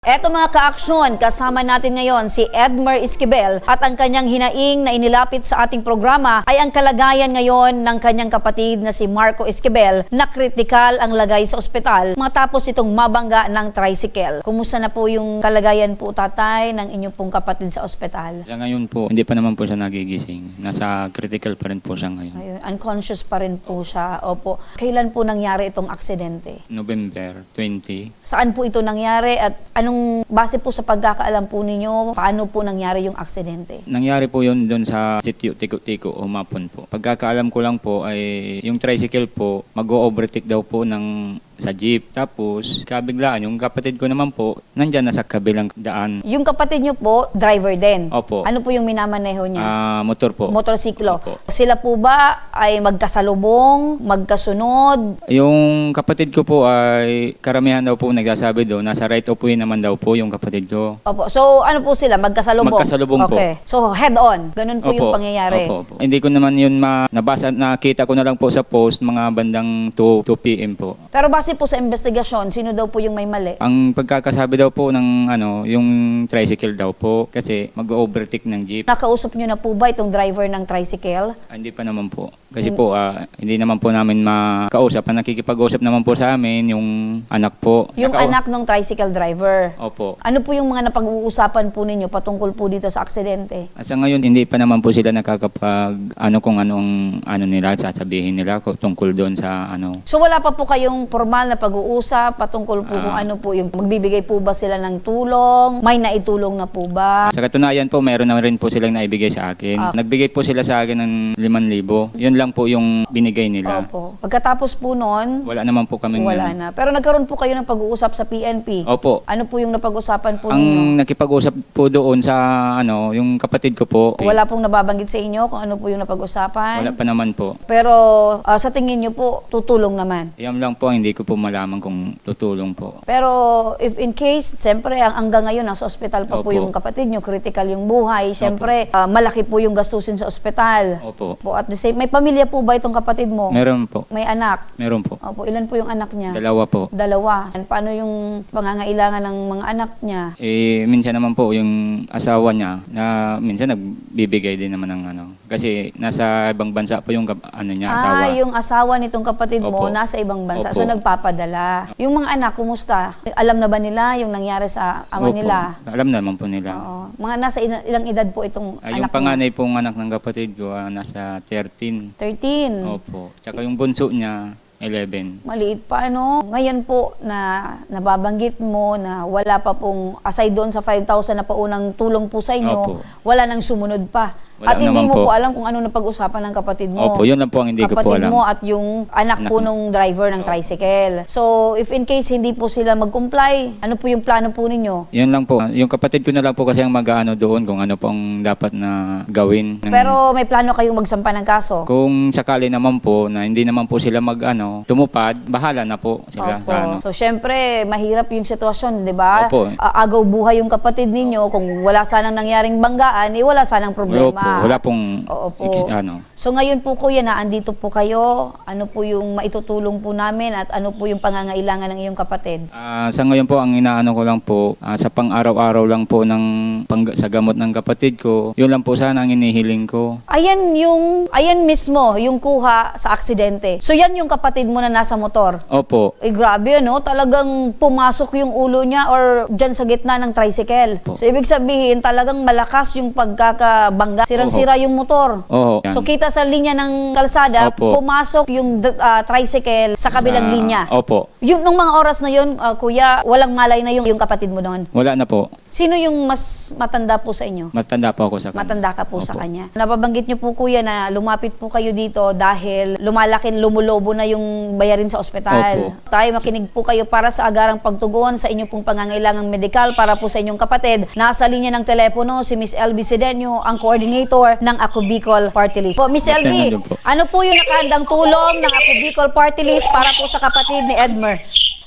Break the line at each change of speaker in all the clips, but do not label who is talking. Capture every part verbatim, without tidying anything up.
Eto mga ka-aksyon, kasama natin ngayon si Edmer Esquivel at ang kanyang hinaing na inilapit sa ating programa ay ang kalagayan ngayon ng kanyang kapatid na si Marco Esquivel na kritikal ang lagay sa ospital matapos itong mabangga ng tricycle. Kumusta na po yung kalagayan po tatay ng inyong pong kapatid sa ospital?
Sa ngayon po, hindi pa naman po siya nagigising. Nasa critical pa rin po siya ngayon.
Ayun, unconscious pa rin po siya. Opo. Kailan po nangyari itong aksidente?
November twentieth.
Saan po ito nangyari at anong base po sa pagkakaalam po ninyo, paano po nangyari yung aksidente?
Nangyari po yun doon sa sitio Tiko-Tiko o Mapon po. Pagkakaalam ko lang po ay yung tricycle po mag-o-overtake daw po ng sa jeep. Tapos kabiglaan yung kapatid ko naman po nandyan na sa kabilang daan.
Yung kapatid nyo po, driver din?
Opo.
Ano po yung minamaneho niya?
Ah, motor po.
Motorsiklo.
Opo.
Sila po ba ay magkasalubong, magkasunod?
Yung kapatid ko po ay karamihan daw po nagsasabi doon, nasa right of way naman daw po yung kapatid ko.
Opo. So ano po sila? Magkasalubong?
Magkasalubong po.
Okay. So head on. Ganun po
Opo.
yung pangyayari.
Opo, opo. Hindi ko naman yun ma nabasa, nakita ko na lang po sa post mga bandang two p m po.
Pero base po sa investigasyon, sino daw po yung may mali?
Ang pagkakasabi daw po ng ano, yung tricycle daw po kasi mag-overtake ng jeep.
Nakausap nyo na po ba itong driver ng tricycle?
Ah, hindi pa naman po. Kasi po ah, hindi naman po namin makausap. Ang nakikipag-usap naman po sa amin yung anak po.
Yung
Nakau-
anak ng tricycle driver.
Opo.
Ano po yung mga napag-uusapan po ninyo patungkol po dito sa aksidente?
At sa ngayon hindi pa naman po sila nakakapag ano kung anong ano nila sasabihin nila ko tungkol doon sa ano.
So wala pa po kayong formal na pag-uusap patungkol po kung
Ah.
ano po yung magbibigay po ba sila ng tulong? May naitulong na po ba?
Sa katunayan po, meron na rin po silang naibigay sa akin.
Ah.
Nagbigay po sila sa akin ng limang libo. Yun lang po yung binigay nila.
Opo. Pagkatapos po nun,
Wala naman po kaming
wala
ano.
na. Pero nagkaroon po kayo ng pag-uusap sa P N P.
Opo.
Ano po yung napag-usapan po ninyo?
Ang nakipag-usap po doon sa ano, yung kapatid ko po.
Wala pong nababanggit sa inyo kung ano po yung napag-usapan?
Wala pa naman po.
Pero ah, sa tingin nyo po, tutulong naman.
Yan lang po, hindi ko po malaman kung tutulong po.
Pero if in case, siyempre ang hanggang ngayon nasa ospital pa po
Opo.
yung kapatid nyo, critical yung buhay, siyempre ah, malaki po yung gastusin sa ospital.
Opo.
Po at the same, may pamilya po ba itong kapatid mo?
Meron po.
May anak?
Meron po.
Opo, ilan po yung anak niya?
Dalawa po.
Dalawa. And paano yung pangangailangan ng mga anak niya?
Eh, minsan naman po yung asawa niya na minsan nagbibigay din naman ng ano. Kasi nasa ibang bansa po yung kap- ano niya, asawa.
Ah, yung asawa nitong kapatid mo
Opo.
nasa ibang bansa.
Opo.
So nagpapadala. Yung mga anak, kumusta? Alam na ba nila yung nangyari sa ama
Opo.
nila?
Alam naman po nila.
Oo. Mga nasa ina- ilang edad po itong
Ah,
anak
yung
mo?
panganay pong anak ng kapatid ko, ah, nasa thirteen.
thirteen.
Opo. Tsaka yung bunso niya, eleven.
Maliit pa, ano? Ngayon po na nababanggit mo na wala pa pong, aside doon sa five thousand na paunang tulong po sa inyo,
Opo.
wala nang sumunod pa. At
Wala
hindi
naman
mo po.
po.
alam kung ano napag-usapan ng kapatid mo.
Opo, yun lang po ang hindi ko po
Kapatid
alam.
mo at yung anak,
Anak
po
mo.
nung driver ng tricycle. So, if in case hindi po sila mag-comply, ano po yung plano po ninyo?
Yun lang po. Yung kapatid ko na lang po kasi ang mag-ano doon kung ano pong dapat na gawin. Ng-
Pero may plano kayong magsampa ng kaso?
kung sakali naman po na hindi naman po sila mag-ano, tumupad, bahala na po sila.
Opo.
Sa ano.
So, syempre, mahirap yung sitwasyon, di ba?
Opo.
A- agaw buhay yung kapatid ninyo. Kung wala sanang nangyaring banggaan, eh, wala sanang problema.
Wala po. Wala pong
Oo po.
ex- ano.
So ngayon po kuya na andito po kayo, ano po yung maitutulong po namin at ano po yung pangangailangan ng iyong kapatid?
Ah, sa ngayon po, ang inaano ko lang po, ah, sa pang-araw-araw lang po ng pang- sa gamot ng kapatid ko, yun lang po sana ang inihiling ko.
Ayan yung, ayan mismo, yung kuha sa aksidente. So yan yung kapatid mo na nasa motor.
Opo.
Eh grabe ano, talagang pumasok yung ulo niya or dyan sa gitna ng tricycle.
Po.
So ibig sabihin talagang malakas yung pagkakabangga. Sirang-sira yung motor.
Oo. Yan.
So kita sa linya ng kalsada,
Opo.
pumasok yung d- ah, tricycle sa kabilang
Sa-
linya.
Opo.
Yung nung mga oras na yun, ah, kuya, walang malay na yung, yung kapatid mo doon.
Wala na po.
Sino yung mas matanda po sa inyo?
Matanda po ako sa kanya.
Matanda ka po sa
Opo.
kanya. Napabanggit niyo po kuya na lumapit po kayo dito dahil lumalaki, lumulobo na yung bayarin sa ospital.
Opo.
Tayo makinig po kayo para sa agarang pagtugon sa inyong pong pangangailangang medikal para po sa inyong kapatid. Nasa linya ng telepono si Miss Elby Sedeño, ang coordinator ng Ako Bicol Party List. Po, Miss Elby,
Magandang po.
ano po yung nakahandang tulong ng Ako Bicol Party List para po sa kapatid ni Edmer?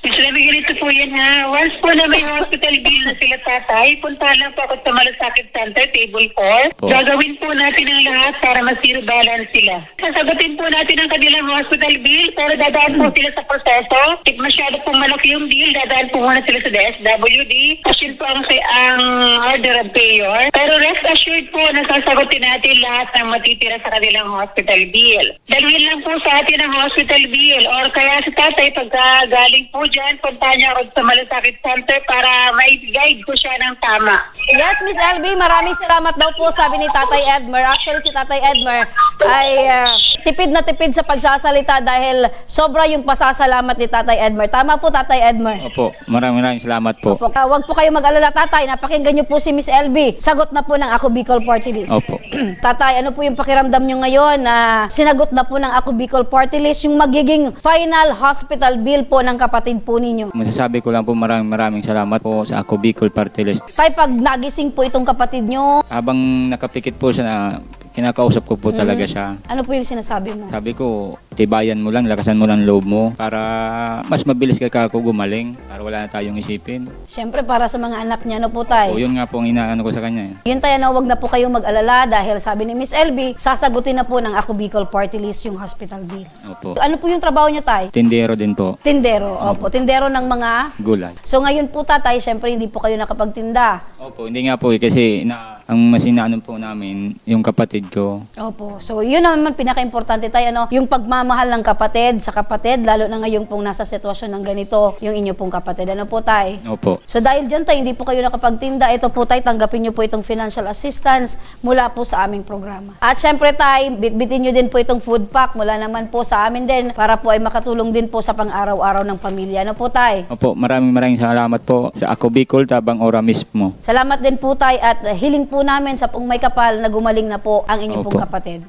Mas sabi ganito po yan ha. Once po na may hospital bill na sila tatay, punta lang po ako sa Malasakit Center, table four.
Po.
Gagawin po natin ang lahat para ma-zero balance sila. Sasagutin po natin ang kanilang hospital bill, pero dadaan po sila sa proseso. If masyado pong malaki yung bill, dadaan po muna sila sa D S W D. Kasi po ang, ang order of payor. Pero rest assured po na sasagutin natin lahat ng matitira sa kanilang hospital bill. Dalhin lang po sa atin ang hospital bill or kaya si tatay pagka galing po dyan, punta niya ako sa Malasakit Center para may guide ko siya ng tama.
Yes, Miss L B, maraming salamat daw po, sabi ni Tatay Edmer. Actually, si Tatay Edmer ay ah, tipid na tipid sa pagsasalita dahil sobra yung pasasalamat ni Tatay Edmer. Tama po, Tatay Edmer.
Opo, maraming maraming salamat po.
Opo. Ah, wag po kayo mag-alala, Tatay. Napakinggan niyo po si Miss L B. Sagot na po ng Ako Bicol Party List.
Opo.
Tatay, ano po yung pakiramdam nyo ngayon na sinagot na po ng Ako Bicol Party List yung magiging final hospital bill po ng kapatid po ninyo?
Masasabi ko lang po maraming maraming salamat po sa Ako Bicol Party List.
Tay, pag nagising po itong kapatid nyo,
Habang nakapikit po siya na kinakausap ko po talaga siya.
ano po yung sinasabi mo?
Sabi ko, tibayan mo lang, lakasan mo lang loob mo para mas mabilis ka kako gumaling para wala na tayong isipin.
Siyempre, para sa mga anak niya, ano po, Tay?
O yun nga po ang inaano ko sa kanya. eh.
Yun tayo na wag na po kayong mag-alala dahil sabi ni Miss L B, sasagutin na po ng Ako Bicol Party List yung hospital bill.
Opo.
Ano po yung trabaho niya, Tay?
Tindero din po,
Tindero. Opo, tindero ng mga...
gulay.
So ngayon po, Tatay, siyempre hindi po kayo nakapagtinda.
Opo, hindi nga po eh, kasi na, ang mas inaano po namin, yung kapatid ko.
Opo. So yun naman pinaka-importante, Tay, ano, yung pagmamahal ng kapatid sa kapatid, lalo na ngayon pong nasa sitwasyon ng ganito, yung inyo pong kapatid. Ano po, Tay?
Opo.
So dahil dyan, Tay, hindi po kayo nakapagtinda, ito po, Tay, tanggapin niyo po itong financial assistance mula po sa aming programa. At syempre, Tay, bitbitin niyo din po itong food pack mula naman po sa amin din para po ay makatulong din po sa pang-araw-araw ng pamilya. Ano po, Tay?
Opo, maraming maraming salamat po sa Ako Bicol, Tabang Ora mismo.
Salamat din po, Tay, at uh, hiling po namin sa pong may kapal na gumaling na po ang inyong pong
Opo.
kapatid.